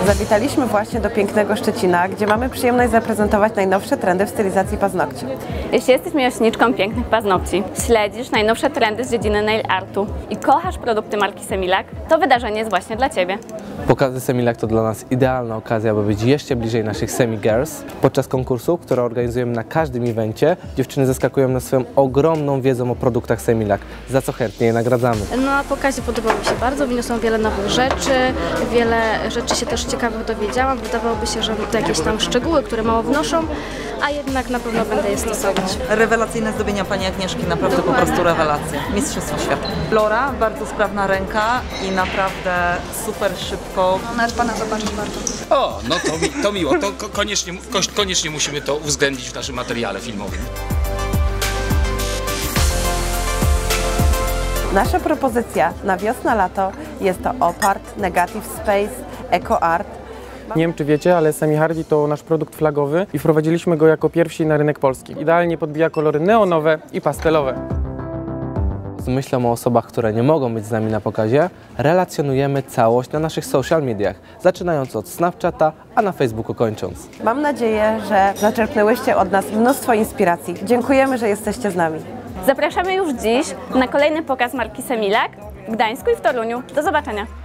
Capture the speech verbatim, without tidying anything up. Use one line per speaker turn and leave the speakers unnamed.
Zawitaliśmy właśnie do pięknego Szczecina, gdzie mamy przyjemność zaprezentować najnowsze trendy w stylizacji paznokci.
Jeśli jesteś miłośniczką pięknych paznokci, śledzisz najnowsze trendy z dziedziny nail artu i kochasz produkty marki Semilac, to wydarzenie jest właśnie dla Ciebie.
Pokazy Semilac to dla nas idealna okazja, aby być jeszcze bliżej naszych Semi Girls. Podczas konkursu, który organizujemy na każdym evencie, dziewczyny zaskakują nas swoją ogromną wiedzą o produktach Semilac, za co chętnie je nagradzamy.
Na pokazie podobało mi się bardzo, wyniosłam wiele nowych rzeczy, wiele rzeczy się też ciekawych dowiedziałam. Wydawałoby się, że to jakieś tam szczegóły, które mało wnoszą, a jednak na pewno będę je stosować.
Rewelacyjne zdobienia pani Agnieszki, naprawdę po prostu rewelacja. Mistrzostwo świata. Laura, bardzo sprawna ręka i naprawdę super szybko.
Nawet pana zobaczyć warto.
O, no to, mi, to miło, to koniecznie, koniecznie musimy to uwzględnić w naszym materiale filmowym.
Nasza propozycja na wiosna-lato jest to Opart, Negative Space, Eco Art.
Nie wiem, czy wiecie, ale Semi Hardy to nasz produkt flagowy i wprowadziliśmy go jako pierwsi na rynek polski. Idealnie podbija kolory neonowe i pastelowe.
Z myślą o osobach, które nie mogą być z nami na pokazie, relacjonujemy całość na naszych social mediach, zaczynając od Snapchata, a na Facebooku kończąc.
Mam nadzieję, że zaczerpnęłyście od nas mnóstwo inspiracji. Dziękujemy, że jesteście z nami.
Zapraszamy już dziś na kolejny pokaz marki Semilac w Gdańsku i w Toruniu. Do zobaczenia!